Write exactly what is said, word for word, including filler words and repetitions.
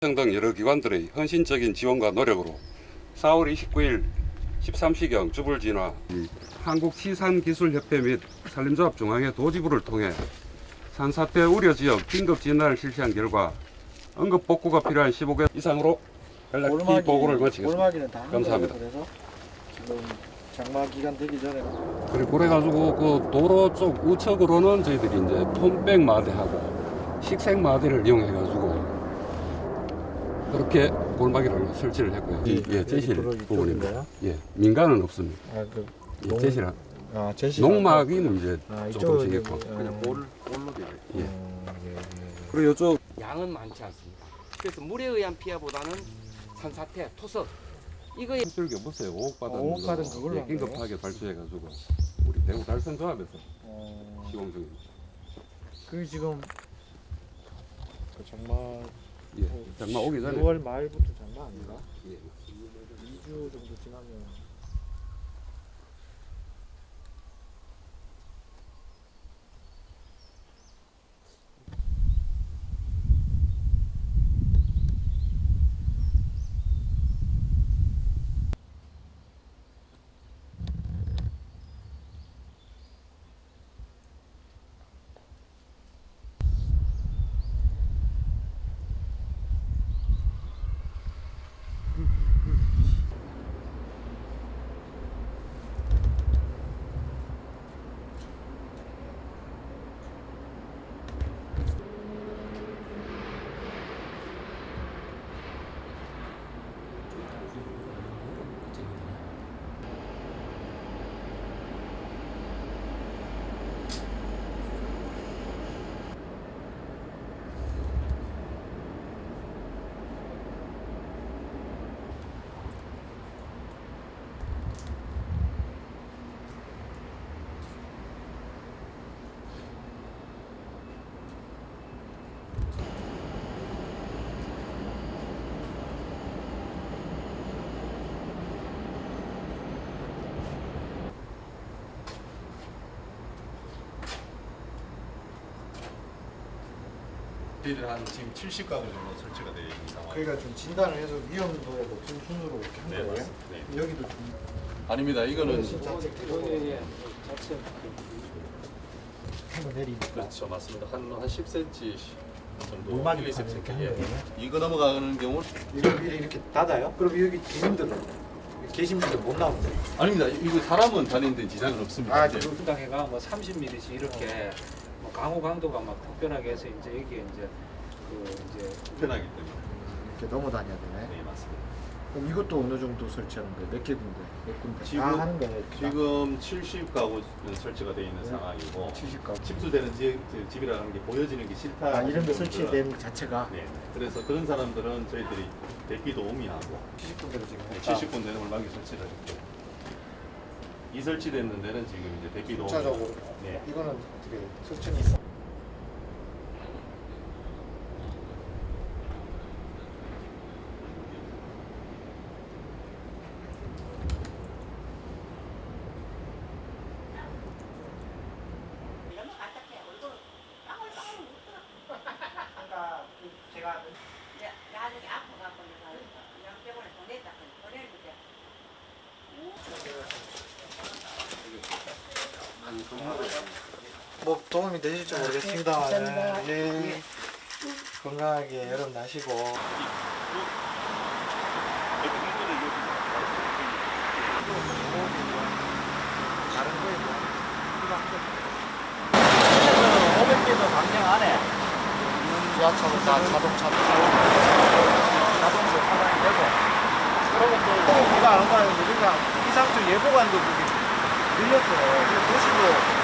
등 여러 기관들의 헌신적인 지원과 노력으로 사월 이십구일 십삼 시경 주불 진화 한국시산기술협회 및 산림조합중앙회 도지부를 통해 산사태 우려 지역 긴급 진단을 실시한 결과 응급 복구가 필요한 십오 개 이상으로 연락기 보고를 마치겠습니다. 감사합니다. 그래서 지금 장마 기간 되기 전에 그리고 그래가지고 그 도로 쪽 우측으로는 저희들이 이제 폼백 마대하고 식생 마대를 이용해가지고 그렇게 골막이를 설치를 했고요. 예, 예 제실 부분입니다. 예, 민간은 없습니다. 아, 그 예, 제실 아, 제실 농막이는 이제 아, 조금씩 이쪽은 있고 이제, 그냥 볼 볼로 되어 예. 음, 예, 예, 예. 그리고 이쪽 양은 많지 않습니다. 그래서 물에 의한 피해보다는 산사태, 토석 이거에 줄기 없어요. 오억 받은 어, 오억 받은 거 그걸로 예, 한 거예요? 긴급하게 발주해가지고 우리 대구 달성조합에서 어, 시공 중입니다. 그 지금 그 장마 예, 장마 오기 전에 유월 말부터 장마 아닌가? 예. 이 주 정도 지나면 저희들 한 지금 칠십 가구 정도 설치가 되어 있는 상황. 그러니까 좀 진단을 해서 위험도에 높은 순으로 이렇게 한 네, 거예요? 맞습니다. 네. 여기도 좀 아닙니다. 이거는 진짜 자체 한번 내리 그렇죠, 맞습니다. 한한 십 센티미터 정도. 물막이 일, 이 이렇게 센티미터. 한 예. 거예요? 이거 넘어가는 경우 이거 위에 이렇게 닫아요? 그럼 여기 주민들은 계신 분들 못 나오는데? 아닙니다. 이거 사람은 다니는데 지장은 없습니다. 아, 이제 그 당해가 뭐 삼십 밀리미터씩 이렇게 뭐 강우 강도가 막 특별하게 해서 이제 여기에 이제 그 이제 불편하기 때문에. 이렇게 넘어 다녀야 되네. 네, 맞습니다. 그럼 이것도 어느 정도 설치하는 거예요? 몇 개 군데? 몇 군데? 지금- 다 하는 거예요? 지금 칠십 가구 설치가 되어 있는 네. 상황이고 칠십 가구. 침수되는 지, 집이라는 게 보여지는 게 싫다. 아, 이런 거 하시는 분들은- 설치된 자체가 네. 그래서 그런 사람들은 저희들이 대피 도우미하고 칠십 군데로 지금 했다. 칠십 군데는 물막이 설치를 했고 이 설치됐는 데는 지금 이제 대피 도우미. 숫자적으로 네. 이거는 어떻게 설치는 있어? 이제 나중에 아파갖고 내가 양병원에 보냈다 보내는데 뭐 도움이 되실지 모르겠습니다. 네. 예. 건강하게 여름 나시고. 다른 거에 뭐 오백 개도 방향 안에 지하철은 다 자동차도 자동차 차단이 되고 그러고 또 비가 안 오는 거 우리가 기상청 예보관도 그게 늘렸어요. 그래서 도시도